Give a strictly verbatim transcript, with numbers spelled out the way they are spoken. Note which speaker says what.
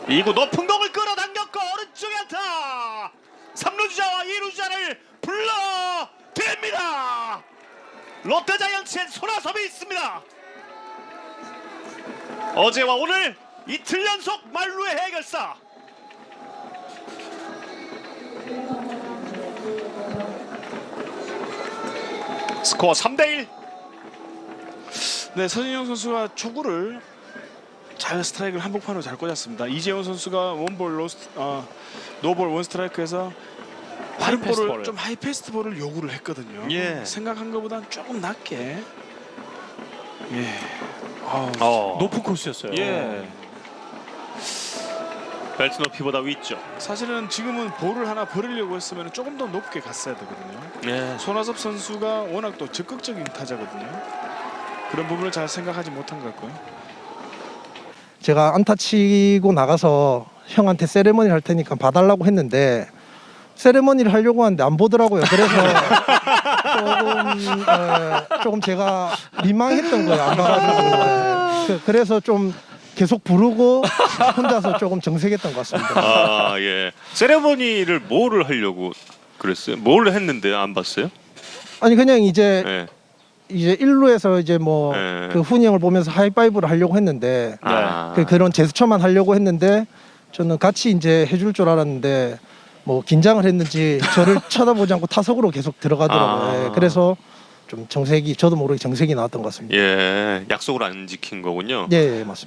Speaker 1: 이 구 높은 공을 끌어당겼고 오른쪽에 안타. 삼 루 주자와 이 루 주자를 불러댑니다. 롯데자이언츠엔 손아섭이 있습니다. 어제와 오늘 이틀 연속 만루의 해결사. 스코어 삼 대 일.
Speaker 2: 네, 서진영 선수가 초구를 잘 스트라이크를 한복판으로 잘 꽂았습니다. 이재원 선수가 원볼 로스트, 어, 노볼 원 스트라이크에서 빠른
Speaker 1: 하이패스트
Speaker 2: 볼을
Speaker 1: 볼을.
Speaker 2: 좀 하이패스트 볼을 요구를 했거든요.
Speaker 1: 예.
Speaker 2: 생각한 것보다는 조금 낮게. 예. 어,
Speaker 1: 어.
Speaker 3: 높은 코스였어요.
Speaker 2: 예.
Speaker 1: 벨트 높이보다 위쪽.
Speaker 2: 사실은 지금은 볼을 하나 버리려고 했으면 조금 더 높게 갔어야 되거든요.
Speaker 1: 예.
Speaker 2: 손아섭 선수가 워낙 또 적극적인 타자거든요. 그런 부분을 잘 생각하지 못한 것 같고요.
Speaker 4: 제가 안타 치고 나가서 형한테 세레머니를 할 테니까 봐달라고 했는데 세레머니를 하려고 하는데 안 보더라고요. 그래서 조금 에, 조금 제가 민망했던 거예요. 안 봐가지고. 에, 그, 그래서 좀 계속 부르고 혼자서 조금 정색했던 것 같습니다.
Speaker 1: 아 예. 세레머니를 뭐를 하려고 그랬어요? 뭘 했는데 안 봤어요?
Speaker 4: 아니 그냥 이제
Speaker 1: 예.
Speaker 4: 이제 일 루에서 이제 뭐
Speaker 1: 네.
Speaker 4: 그 훈이 형을 보면서 하이파이브를 하려고 했는데
Speaker 1: 아.
Speaker 4: 그 그런 제스처만 하려고 했는데 저는 같이 이제 해줄 줄 알았는데 뭐 긴장을 했는지 저를 쳐다보지 않고 타석으로 계속 들어가더라고요.
Speaker 1: 아.
Speaker 4: 예, 그래서 좀 정색이 저도 모르게 정색이 나왔던 것 같습니다.
Speaker 1: 예. 약속을 안 지킨 거군요.
Speaker 4: 예, 예 맞습니다.